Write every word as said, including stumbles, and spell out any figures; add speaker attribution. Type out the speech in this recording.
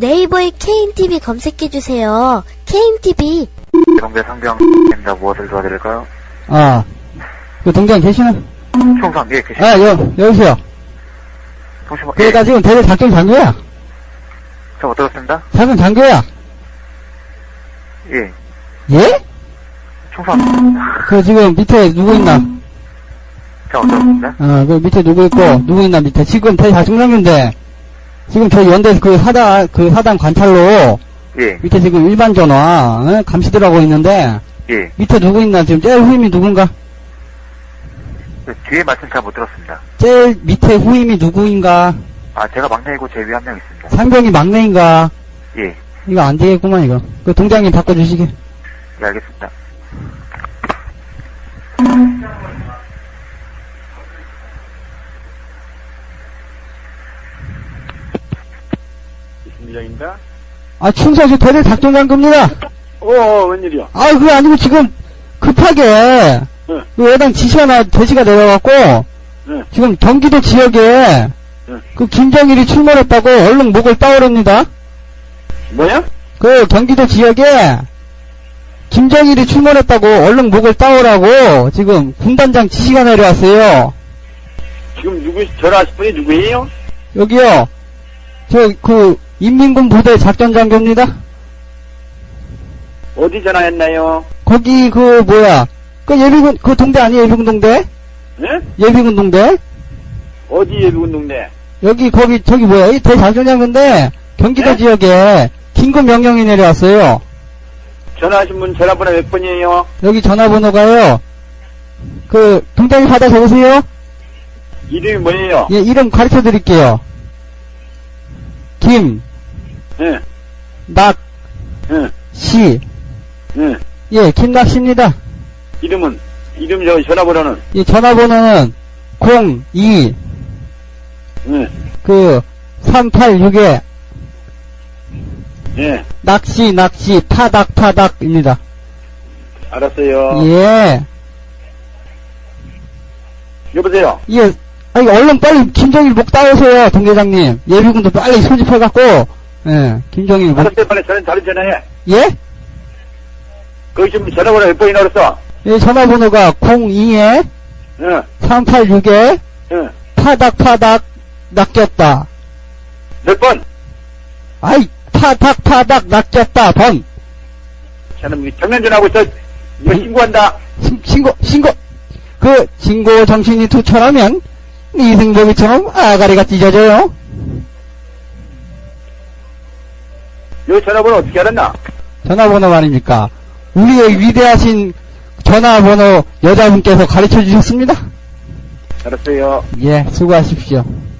Speaker 1: 네이버에 케이엠티비 검색해주세요. 케이엠티비.
Speaker 2: 동대 상병입니다. 무엇을 도와드릴까요?
Speaker 3: 아, 그 동장 계시나?
Speaker 2: 총상, 예, 계십니다.
Speaker 3: 아, 여, 여보세요.
Speaker 2: 통신번,
Speaker 3: 그러니까
Speaker 2: 예,
Speaker 3: 지금 대대 작전 장교야.
Speaker 2: 저 못 들었습니다.
Speaker 3: 작전 장교야.
Speaker 2: 예,
Speaker 3: 예?
Speaker 2: 총상,
Speaker 3: 그 지금 밑에 누구 있나?
Speaker 2: 저 못 들었습니다.
Speaker 3: 어, 그 밑에 누구 있고, 누구 있나 밑에. 지금 대대 작전 장교인데, 지금 저희 연대 그 사단, 그 사단 관찰로,
Speaker 2: 예,
Speaker 3: 밑에 지금 일반 전화, 어? 감시들 하고 있는데,
Speaker 2: 예.
Speaker 3: 밑에 누구 있나? 지금 제일 후임이 누군가?
Speaker 2: 그 뒤에 말씀 잘 못 들었습니다.
Speaker 3: 제일 밑에 후임이 누구인가?
Speaker 2: 아, 제가 막내이고 제 위에 한 명 있습니다.
Speaker 3: 상병이 막내인가?
Speaker 2: 예,
Speaker 3: 이거 안 되겠구만, 이거. 그 동장님 바꿔주시게.
Speaker 2: 예, 알겠습니다.
Speaker 4: 이승미장입니다.
Speaker 3: 아, 충성시 대대 작전 장교입니다.
Speaker 4: 어, 어, 웬일이야?
Speaker 3: 아, 그게 아니고 지금 급하게
Speaker 4: 네.
Speaker 3: 그 여당 지시 하나 대지가 내려갖고
Speaker 4: 네.
Speaker 3: 지금 경기도 지역에
Speaker 4: 네.
Speaker 3: 그 김정일이 출몰했다고 얼른 목을 따오렵니다.
Speaker 4: 뭐야?
Speaker 3: 그 경기도 지역에 김정일이 출몰했다고 얼른 목을 따오라고 지금 군단장 지시가 내려왔어요.
Speaker 4: 지금 누구, 전화하신 분이 누구예요?
Speaker 3: 여기요. 저 그 인민군 부대 작전 장교입니다.
Speaker 4: 어디 전화했나요?
Speaker 3: 거기 그 뭐야? 그 예비군 그 동대 아니에요? 예비군 동대?
Speaker 4: 네?
Speaker 3: 예비군 동대?
Speaker 4: 어디 예비군 동네?
Speaker 3: 여기 거기 저기 뭐야? 이 대작전장인데 경기도
Speaker 4: 네?
Speaker 3: 지역에 긴급 명령이 내려왔어요.
Speaker 4: 전화하신 분 전화번호 몇 번이에요?
Speaker 3: 여기 전화번호가요. 그 동장님 받아 적으세요.
Speaker 4: 이름이 뭐예요?
Speaker 3: 예, 이름 가르쳐 드릴게요. 김,
Speaker 4: 예,
Speaker 3: 낙,
Speaker 4: 예,
Speaker 3: 시.
Speaker 4: 예.
Speaker 3: 예, 김낙시입니다.
Speaker 4: 이름은? 이름 저 전화번호는?
Speaker 3: 이 전화번호는 공이
Speaker 4: 예,
Speaker 3: 그 삼팔육에
Speaker 4: 예.
Speaker 3: 낚시 낚시 타닥 타닥입니다.
Speaker 4: 알았어요.
Speaker 3: 예.
Speaker 4: 여보세요?
Speaker 3: 예. 아니 얼른 빨리 김정일 목 따오세요, 동대장님. 예비군도 빨리 소집해갖고, 예, 김정일 목.
Speaker 4: 알았어요. 빨리 전화, 다른 전화해.
Speaker 3: 예?
Speaker 4: 거기 지금 전화번호 몇 번이나 그랬어?
Speaker 3: 예, 전화번호가 공이에
Speaker 4: 예,
Speaker 3: 삼팔육에
Speaker 4: 예.
Speaker 3: 타닥 타닥 낚였다.
Speaker 4: 몇 번?
Speaker 3: 아이, 타닥 타닥 낚였다, 번.
Speaker 4: 저는 정면전화하고 있어. 이거
Speaker 3: 음.
Speaker 4: 신고한다.
Speaker 3: 신- 신고, 신고. 그, 신고 정신이 투철하면, 이승복이처럼 아가리가 찢어져요.
Speaker 4: 요 전화번호 어떻게 알았나?
Speaker 3: 전화번호 말입니까? 우리의 위대하신 전화번호 여자분께서 가르쳐 주셨습니다.
Speaker 4: 알았어요.
Speaker 3: 예, 수고하십시오.